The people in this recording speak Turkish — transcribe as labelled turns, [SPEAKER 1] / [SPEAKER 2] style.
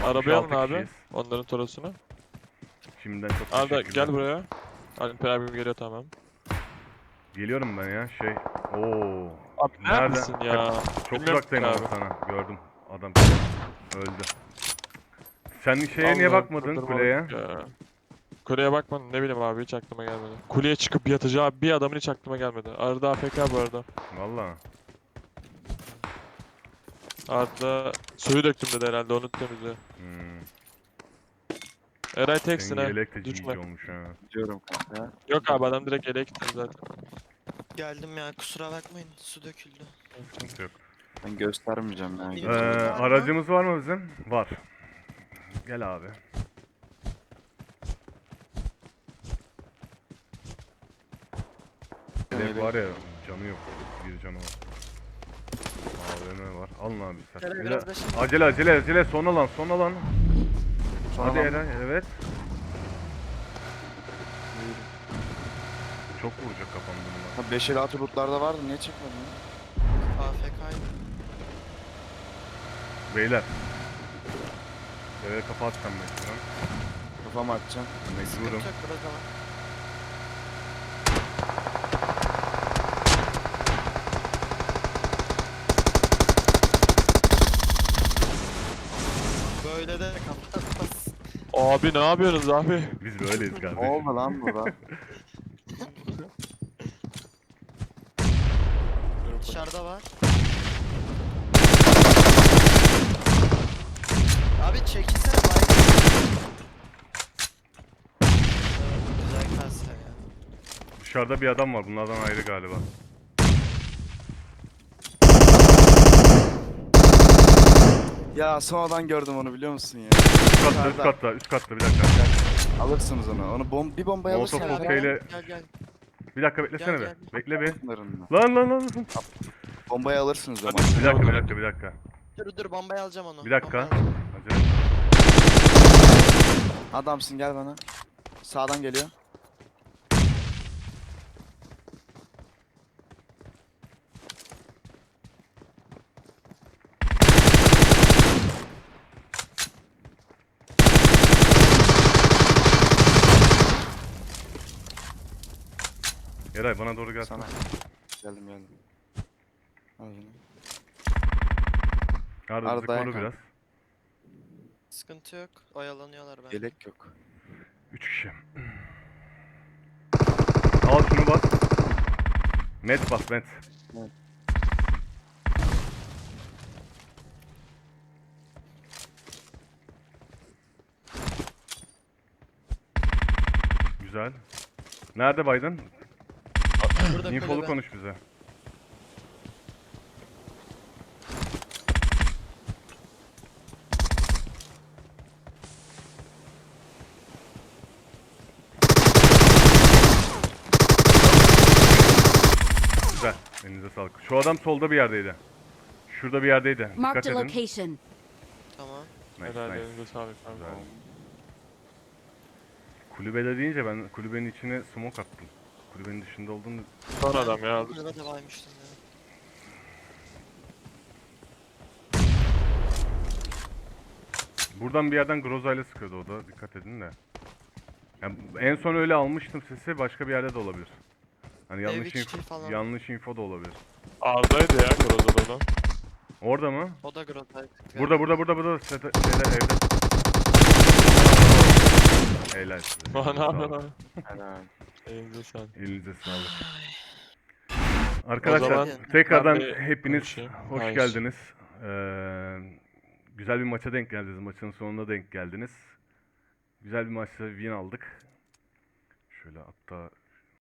[SPEAKER 1] Arabayı alın
[SPEAKER 2] 66
[SPEAKER 1] abi.
[SPEAKER 2] kişiyiz.
[SPEAKER 1] Onların torosunu.
[SPEAKER 2] Şimdiden çok
[SPEAKER 1] Arda
[SPEAKER 2] teşekkürler.
[SPEAKER 1] gel buraya. Alper abim geliyor tamam.
[SPEAKER 2] Geliyorum ben ya Oo.
[SPEAKER 1] Abi
[SPEAKER 2] Nerede?
[SPEAKER 1] neredesin ya?
[SPEAKER 2] Çok
[SPEAKER 1] Bilmiyorum
[SPEAKER 2] uzaktayım
[SPEAKER 1] ki
[SPEAKER 2] ama
[SPEAKER 1] abi.
[SPEAKER 2] sana. Gördüm. Adam öldü. Sen şeye niye
[SPEAKER 1] Allah'ım
[SPEAKER 2] bakmadın
[SPEAKER 1] kırdırmalık
[SPEAKER 2] kuleye?
[SPEAKER 1] ya. Kuleye bakmadım ne bileyim abi hiç aklıma gelmedi. Kuleye çıkıp yatacağı bir adamın hiç aklıma gelmedi. Arda AFK bu arada.
[SPEAKER 2] Valla.
[SPEAKER 1] Arda suyu döktüm dedi herhalde onu temizle.
[SPEAKER 2] Hmm.
[SPEAKER 1] Eray
[SPEAKER 2] Senin
[SPEAKER 1] teksin ha.
[SPEAKER 2] yelek de
[SPEAKER 1] Düşme.
[SPEAKER 2] GG olmuş ha.
[SPEAKER 3] Diyorum kanka.
[SPEAKER 1] Yok abi adam direkt yeleğe gitti zaten.
[SPEAKER 4] Geldim ya kusura bakmayın su döküldü.
[SPEAKER 2] Sıkıntı yok.
[SPEAKER 3] Ben göstermeyeceğim ya.
[SPEAKER 4] İyi.
[SPEAKER 2] Ee,
[SPEAKER 4] Var mı?
[SPEAKER 2] aracımız var mı bizim? Var. Gel abi. Yelek var ya, canı yok. Bir canı var. AVM var. Alın abi sen.
[SPEAKER 4] Şöyle
[SPEAKER 2] Bir
[SPEAKER 4] biraz
[SPEAKER 2] de-
[SPEAKER 4] da şimdi-
[SPEAKER 2] acele son alan.
[SPEAKER 3] Sonra
[SPEAKER 2] Hadi
[SPEAKER 3] lan-
[SPEAKER 2] Eren evet. Çok vuracak kafam bununla.
[SPEAKER 3] Ha 556 lootlarda vardı niye çekmedin ya?
[SPEAKER 4] AFK'ydı.
[SPEAKER 2] Beyler. Eve kafa atacağım mecburen.
[SPEAKER 3] Kafamı atacağım.
[SPEAKER 2] Mecburum.
[SPEAKER 4] Sıkıntı yok biraz ama. Böyle de kapatmaz.
[SPEAKER 1] Abi ne yapıyorsunuz abi?
[SPEAKER 2] Biz böyleyiz
[SPEAKER 3] Ne
[SPEAKER 2] kardeşim.
[SPEAKER 3] oldu lan burada?
[SPEAKER 4] Dışarıda var. Abi çekilsene bay. Güzel kasa ya.
[SPEAKER 2] Dışarıda bir adam var. Bunlardan ayrı galiba.
[SPEAKER 3] Ya sonradan gördüm onu biliyor musun ya?
[SPEAKER 2] Üst katta bir dakika.
[SPEAKER 3] Alırsınız onu. Onu bir bombaya
[SPEAKER 2] Molotov
[SPEAKER 3] alırsın.
[SPEAKER 2] kokteyle-
[SPEAKER 4] Gel gel.
[SPEAKER 2] Bir dakika beklesene
[SPEAKER 4] Gel,
[SPEAKER 2] be.
[SPEAKER 4] gel.
[SPEAKER 2] Bekle bir.
[SPEAKER 3] Bunların.
[SPEAKER 2] Lan.
[SPEAKER 3] Bombayı alırsınız ama.
[SPEAKER 2] Bir dakika.
[SPEAKER 4] Dur bombayı alacağım onu.
[SPEAKER 2] Bir dakika.
[SPEAKER 4] Bombayı alacağım.
[SPEAKER 2] Acele.
[SPEAKER 3] Adamsın gel bana. Sağdan geliyor.
[SPEAKER 2] Eray bana doğru gelsene.
[SPEAKER 3] Sana. Geldim. Al bunu.
[SPEAKER 2] Arda bizi
[SPEAKER 3] Arda'ya
[SPEAKER 2] koru
[SPEAKER 3] kal.
[SPEAKER 2] biraz.
[SPEAKER 4] Sıkıntı yok. Oyalanıyorlar ben.
[SPEAKER 3] Yelek yok.
[SPEAKER 2] 3 kişi. Al şunu bas. Net bas net.
[SPEAKER 3] Evet.
[SPEAKER 2] Güzel. Nerede Biden?
[SPEAKER 4] Burada
[SPEAKER 2] Infolu
[SPEAKER 4] kulübe.
[SPEAKER 2] konuş bize. Güzel. Elinize sağlık. Şu adam solda bir yerdeydi. Şurada bir yerdeydi. Dikkat
[SPEAKER 5] Marked a
[SPEAKER 2] edin.
[SPEAKER 5] location.
[SPEAKER 4] Tamam.
[SPEAKER 2] Nice,
[SPEAKER 1] Helal
[SPEAKER 2] nice.
[SPEAKER 1] elinize sağlık abi.
[SPEAKER 2] Güzel. Kulübede deyince ben kulübenin içine smoke attım. Kulübenin dışında olduğunu...
[SPEAKER 1] Son adam ya.
[SPEAKER 4] Burada da baymıştım ya.
[SPEAKER 2] Buradan bir yerden Groza ile sıkıyordu o da. Dikkat edin de. Yani en son öyle almıştım sesi. Başka bir yerde de olabilir. Hani yanlış
[SPEAKER 4] içi
[SPEAKER 2] info,
[SPEAKER 4] falan.
[SPEAKER 2] yanlış info da olabilir.
[SPEAKER 1] Arda'ydı ya Groza'da.
[SPEAKER 2] Orada mı?
[SPEAKER 4] O da Grotay'dı.
[SPEAKER 2] Burada. Şeyde, evde. Helal size.
[SPEAKER 1] Ne
[SPEAKER 2] Elinize
[SPEAKER 1] yapıyorsun
[SPEAKER 2] sağlık.
[SPEAKER 1] abi?
[SPEAKER 3] Helal.
[SPEAKER 1] Elinize sağlık.
[SPEAKER 2] Elinize sağlık.
[SPEAKER 1] O
[SPEAKER 2] Arkadaşlar
[SPEAKER 1] zaman
[SPEAKER 2] tekrardan
[SPEAKER 1] ben bir
[SPEAKER 2] hepiniz
[SPEAKER 1] konuşayım.
[SPEAKER 2] hoş
[SPEAKER 1] Hayır.
[SPEAKER 2] geldiniz. Güzel bir maça denk geldiniz. Maçın sonuna denk geldiniz. Güzel bir maçta win aldık. Şöyle hatta